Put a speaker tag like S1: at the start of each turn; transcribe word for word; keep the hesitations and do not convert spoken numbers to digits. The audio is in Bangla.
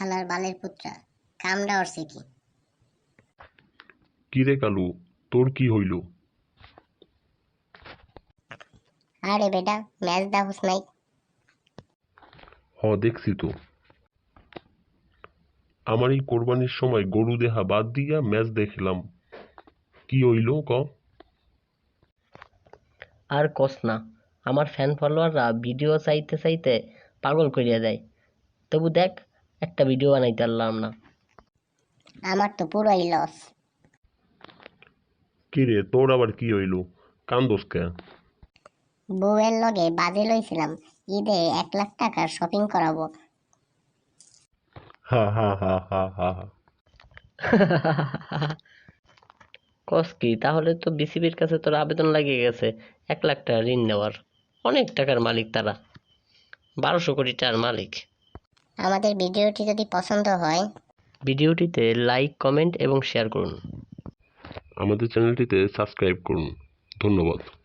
S1: হালার বালের পুত্রা কামড়া অরছে কি?
S2: কিরে কালু, তোর কি হইল?
S1: আরে বেটা ম্যাচ দাহুস নাই?
S2: হ দেখছি তো। আমার এই কোরবানির সময় গরু দেহা বাদ দিয়া ম্যাচ দেখলাম। কি হইল ক?
S3: আর কস না, আমার ফ্যান ফলোয়াররা ভিডিও চাইতে চাইতে পাগল করিয়া দেয়, তবু দেখ একটা ভিডিও বানাইতে পারলাম না।
S1: আমার তো পুরোই লস।
S2: কিরে তোর আবার কি হইল? কান্দোস কে?
S1: বউয়ের লগে বাজে লইছিলাম, ঈদে এক লাখ টাকার শপিং করাবো।
S2: হা হা হা হা হা হা।
S3: কস কি, তাহলে তো বিসিবির কাছে তোর আবেদন লাগিয়ে গেছে এক লাখ টাকা ঋণ নেওয়ার। অনেক টাকার মালিক তারা, বারোশো কোটি টাকার মালিক।
S1: আমাদের ভিডিওটি যদি পছন্দ হয়
S3: ভিডিওটিতে লাইক, কমেন্ট এবং শেয়ার করুন।
S2: আমাদের চ্যানেলটিতে সাবস্ক্রাইব করুন। ধন্যবাদ।